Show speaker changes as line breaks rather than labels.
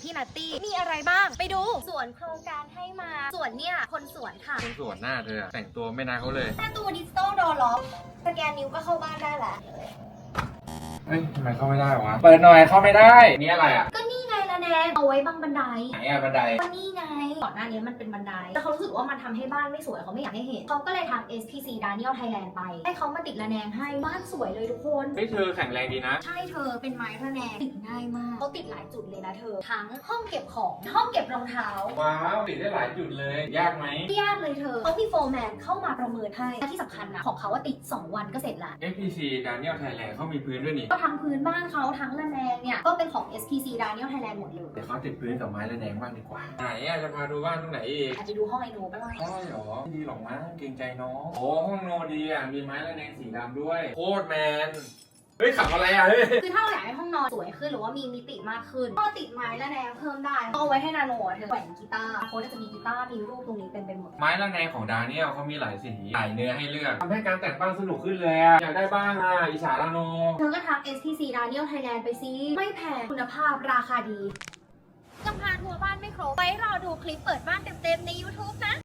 พี่นัตตี้มีอะไรบ้างไปดูสวนโครงการให้มาสวนเนี่ยคนสวนค่ะ
คนสวนหน้าเธอแต่งตัวไม่น่าเขาเลย
ประตูดิจิตอลดอร์ล็อกสแกนนิ้วก็เข้าบ้านได้แล้ว
เฮ้ยทำไมเข้าไม่ได้วะเปิดหน่อยเข้าไม่ได้นี่อะไรอ่ะ
ก็นี่ไงละแนงเอาไว้บังบันได
ไหนอ่ะบันได
ก็นี่ไงก่อนหน้านี้มันเป็นบันไดแต่เขารู้สึกว่ามันทำให้บ้านไม่สวยเขาไม่อยากให้เห็นเขาก็เลยทำ SPC Daniel Thailand ไปให้เขามาติดระแนงให้บ้านสวยเลยทุกคน
เฮ้ยเธอแข็งแรงดีนะ
ใช่เธอเป็นไม้ระแนงติดง่ายมากเขาติดหลายจุดเลยนะเธอทั้งห้องเก็บของห้องเก็บรองเท้า
ว้าวติดได้หลายจุดเลยยากไหม
ไม่ยากเลยเธอเขามีโฟร์แมนเข้ามาประเมินให้และที่สำคัญนะของเขาว่าติด2 วันก็เสร็จละ
SPC Daniel Thailand เขามีพื้นด้วยนี่
ก็ทั้งพื้นบ้านเขาทั้งระแนงเนี่ยก็เป็นของ SPC Daniel Thailand หมดเลย
เดี๋ยวเขาติดพื้นกับไม้ระแนงบ้างดีกว่าไหนอ่ะจะพาดูบ้านตรงไหนอีก
อาจจะดูห้องไอโน่บ้าง
ได้หรอไม่ดีหรอกมั้งเกรงใจน้องโอ้ห้องโนดีอ่ะมีไม้ระแนงสีดำด้วยโคตรแมนเฮ้ยขับอะไรอ่ะเฮ้ย
คือถ้าเราอยากให้ห้องนอนสวยขึ้นหรือว่ามีมิติมากขึ้นก็ติดไม้ระแนงเพิ่มได้เอาไว้ให้นาโนเธอแขวนกีตาร์โค้ดจะมีกีตาร์มีรูปตรงนี้เต็มไปหมด
ไม้ระแนงของดาเนียลเขามีหลายสีหลายเนื้อให้เลือกทำให้การแต่งบ้านสนุกขึ้นเลยอ่ะอยากได้บ้างอ่ะอิจฉาละโน
เธอก็ทัก SPC Daniel Thailand ไปซิไม่แพงคุณภาพราคาดียังพาทัวร์บ้านไม่ครบไว้รอดูคลิปเปิดบ้านเต็มๆใน YouTube นะ